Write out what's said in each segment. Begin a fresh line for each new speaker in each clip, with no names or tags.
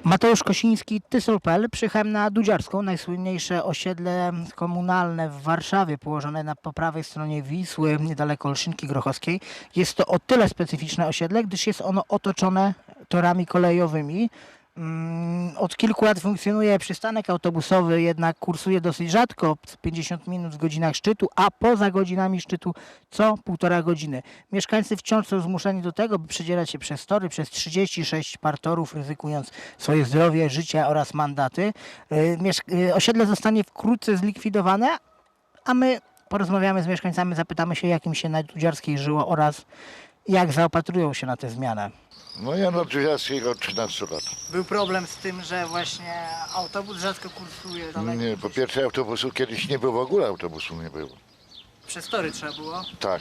Mateusz Kosiński, Tysol.pl. Przyjechałem na Dudziarską, najsłynniejsze osiedle komunalne w Warszawie, położone po prawej stronie Wisły, niedaleko Olszynki Grochowskiej. Jest to o tyle specyficzne osiedle, gdyż jest ono otoczone torami kolejowymi. Od kilku lat funkcjonuje przystanek autobusowy, jednak kursuje dosyć rzadko, 50 minut w godzinach szczytu, a poza godzinami szczytu co 1,5 godziny. Mieszkańcy wciąż są zmuszeni do tego, by przedzierać się przez tory, przez 36 partorów, ryzykując swoje zdrowie, życie oraz mandaty. Osiedle zostanie wkrótce zlikwidowane, a my porozmawiamy z mieszkańcami, zapytamy się, jak im się na Dudziarskiej żyło oraz jak zaopatrują się na tę zmianę.
No ja na Dudziarskiej od 13 lat.
Był problem z tym, że właśnie autobus rzadko kursuje daleko.
Nie, po pierwsze autobusu kiedyś nie było, w ogóle autobusu nie było.
Przez tory trzeba było.
Tak.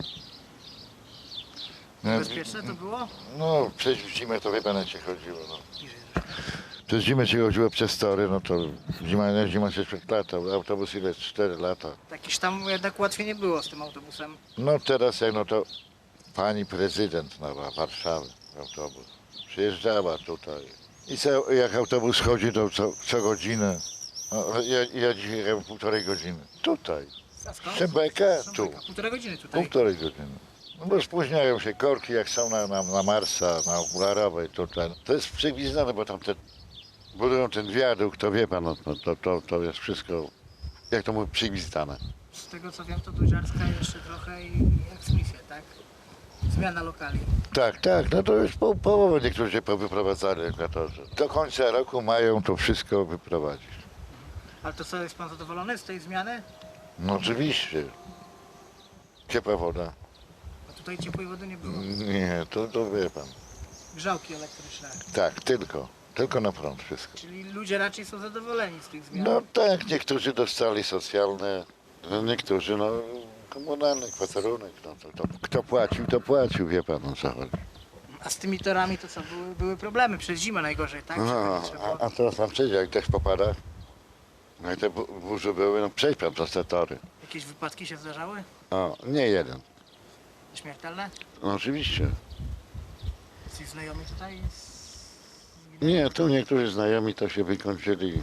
No,
Bezpieczne to było?
no przez zimę to wie pan jak się chodziło. No. Przez zimę się chodziło przez tory, no to zima 6 lat, autobus ile? 4 lata.
Jakieś tam jednak łatwiej nie było z tym autobusem.
No teraz jak no to pani prezydent na Warszawy autobus przyjeżdżała tutaj. I jak autobus chodzi to co godzinę. No, ja dzisiaj jechałem 1,5 godziny. Tutaj.
A skąd?
Szembeka, tu.
1,5 godziny tutaj.
1,5 godziny. No bo spóźniają się korki, jak są na Marsa, na Okularowej tutaj. To jest przewidziane, bo tam budują ten wiadukt, to wie pan, no, to jest wszystko, jak to mówię, przygwizdane.
Z tego co wiem, to Dudziarska jeszcze trochę i eksmisja, tak? Zmiana lokali.
Tak, no to już połowę niektórzy się powyprowadzali regulatorzy. Do końca roku mają to wszystko wyprowadzić.
Ale to co, jest pan zadowolony z tej zmiany?
No oczywiście. Ciepła woda.
Bo tutaj ciepłej wody nie było.
Nie, to wie pan.
Grzałki elektryczne.
Tak, tylko na prąd wszystko.
Czyli ludzie raczej są zadowoleni z tych zmian.
No tak, niektórzy dostali socjalne, niektórzy no komunalny, kwaterunek. No, kto płacił, to płacił, wie pan o co chodzi.
A z tymi torami to co, były problemy przez zimę najgorzej, tak?
No, a teraz pan przejdzie, jak deszcz popada, no i te burze były, no przejdź pan przez te tory.
Jakieś wypadki się zdarzały?
O, nie jeden.
Śmiertelne?
No oczywiście.
Ci znajomi tutaj?
Nie, tu niektórzy znajomi to się wykończyli.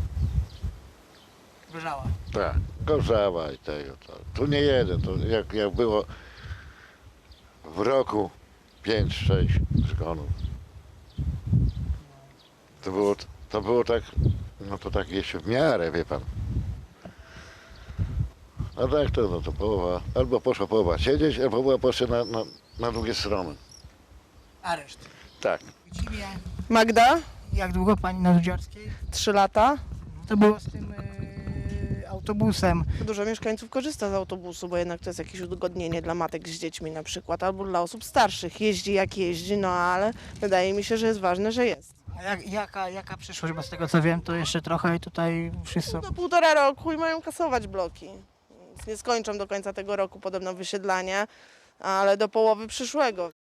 Wyżała.
Tak, Gorzała i tego. Tu nie jeden, to jak było w roku 5-6 zgonów. To było tak, no to tak jeszcze w miarę, wie pan. A tak to, no to połowa, albo poszła połowa siedzieć, albo była poszła na drugie strony.
Areszt.
Tak.
Imię.
Magda,
Jak długo pani na Dudziarskiej?
3 lata.
To było z tym autobusem.
Dużo mieszkańców korzysta z autobusu, bo jednak to jest jakieś udogodnienie dla matek z dziećmi na przykład, albo dla osób starszych. Jeździ jak jeździ, no ale wydaje mi się, że jest ważne, że jest.
A jaka przyszłość? Bo z tego co wiem, to jeszcze trochę i tutaj wszyscy...
Do 1,5 roku i mają kasować bloki. Więc nie skończą do końca tego roku podobno wysiedlania, ale do połowy przyszłego.